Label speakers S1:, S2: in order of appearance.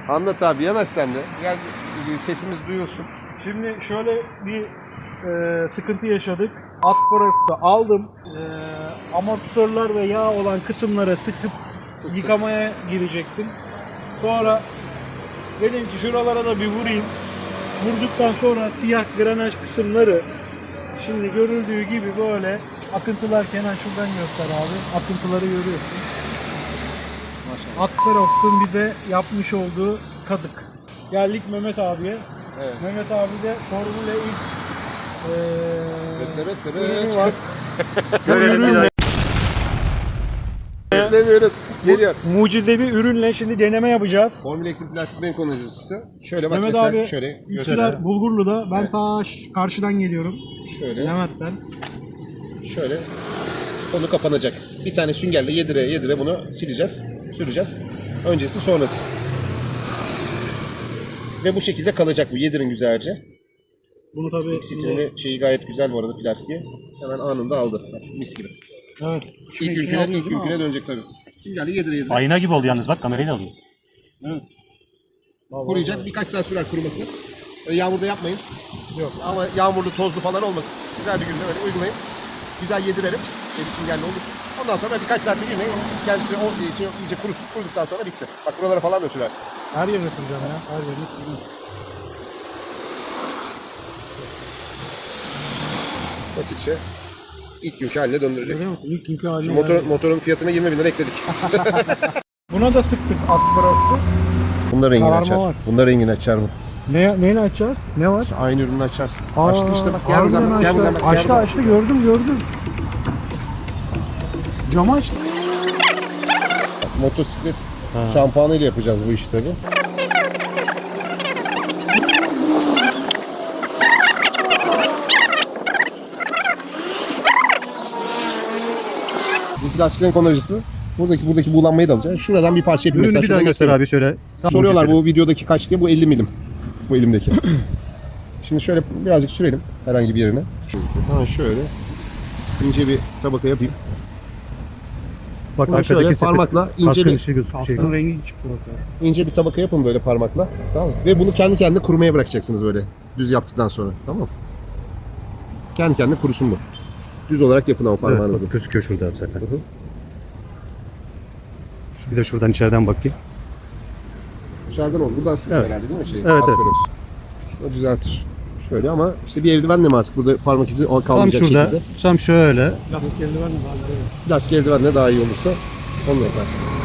S1: Anlat abi, yanaş sen de. Gel, sesimiz duyulsun.
S2: Şimdi şöyle bir sıkıntı yaşadık. Asparagusu aldım. Amortisörler ve yağ olan kısımlara sıkıp yıkamaya girecektim. Sonra dedim ki şuralara da bir vurayım. Vurduktan sonra siyah granaj kısımları şimdi görüldüğü gibi böyle akıntılar, Kenan şuradan göster abi. Akıntıları görüyorsun.
S1: Maşallah.
S2: Asparagus'un bize yapmış olduğu kadık. Geldik Mehmet abiye.
S1: Evet.
S2: Mehmet abi de Formula X ürünü var.
S1: Görelim. İzlemiyoruz. Geliyor.
S2: Mucizevi ürünle şimdi deneme yapacağız.
S1: Formula X'in plastik renk kullanıcısı. Şöyle bak
S2: Mehmet
S1: mesela,
S2: abi
S1: şöyle
S2: İlçiler
S1: göster.
S2: Bulgurlu'da. Ben
S1: Evet.
S2: ta karşıdan geliyorum.
S1: Şöyle,
S2: Levent'ten.
S1: şöyle. Konu kapanacak. Bir tane süngerle yedire bunu sileceğiz, süreceğiz. Öncesi sonrası. Ve bu şekilde kalacak bu. Yedirin güzelce.
S2: Bunu tabii
S1: X-City'nin şeyi gayet güzel bu arada, plastiği. Hemen anında aldı. Bak, mis gibi.
S2: evet.
S1: İlk yüküne dönecek tabii. Süngerle yedire.
S3: Ayna gibi oldu yalnız, bak kamerayı da alıyor.
S2: Evet.
S1: Kuruyacak. Birkaç saat sürer kuruması. Yağmurda yapmayın.
S2: Yok.
S1: Ama yağmurlu, tozlu falan olmasın. Güzel bir günde böyle uygulayın. Güzel yedirelim. Bir süngerle olur. Ondan sonra birkaç saat bir günde kendisi o iyice kuruduktan sonra bitti. Bak buralara falan da sürersin.
S2: Her yerine süreceğim ya. Her yerine süreceğim.
S1: Basitçe ilk günkü haline döndürecek.
S2: Görüyor musun? İlk günkü haline
S1: Şimdi
S2: geldi.
S1: motorun fiyatına 20.000 lira ekledik.
S2: Buna da sıktık Asparagus'u.
S1: Bunda rengini
S2: Kararma
S1: açar.
S2: var.
S1: Bunda rengini açar bu.
S2: Neyle açacağız? Ne var?
S1: Aynı ürünü açarsın. Açtı işte bak. Gel
S2: Harbiden
S1: buradan bak. Gel
S2: açtı.
S1: buradan bak. gel
S2: Açtı
S1: buradan.
S2: açtı, gördüm. Camı açtı.
S1: Motosiklet şampuanıyla yapacağız bu işi tabii. Bu plastik renk onarıcısı. Buradaki buğulanmayı da alacaksın. Şuradan bir parça yapayım.
S3: Ürünü
S1: Mesela
S3: bir
S1: şurada
S3: daha göster
S1: göstereyim.
S3: abi şöyle. Tam
S1: Soruyorlar
S3: mucizevi.
S1: bu videodaki kaç diye. Bu 50 milim. Bu elimdeki. Şimdi şöyle birazcık sürelim herhangi bir yerine. Şöyle ince bir tabaka yapayım.
S3: Bak
S1: Bunu
S3: arkadaki
S1: şöyle
S3: sepet,
S1: parmakla ince
S3: kaskın
S1: bir
S3: ışığı gözüküyor.
S2: Aslanın rengi çıktı bak ya.
S1: ince bir tabaka yapın böyle parmakla. Tamam mı? Ve bunu kendi kendine kurumaya bırakacaksınız böyle düz yaptıktan sonra. Tamam mı? Kendi kendine kurusun bu. Düz olarak yapın ama
S3: Evet,
S1: parmağınızla.
S3: bak, gözüküyor şurada zaten.
S1: Hı hı.
S3: Bir de şuradan içeriden bakayım.
S1: Dışarıdan olur. Buradan sıkıyor
S3: Evet.
S1: herhalde değil mi?
S3: Evet.
S1: Asperos. O düzeltir. Şöyle ama işte bir eldivenle mi artık burada parmak izi
S3: Tam
S1: kalmayacak
S3: şurada,
S1: şekilde.
S3: tam şöyle.
S2: Lastik eldiven mi?
S1: Plastik eldivenle daha iyi olursa onunla yaparsın.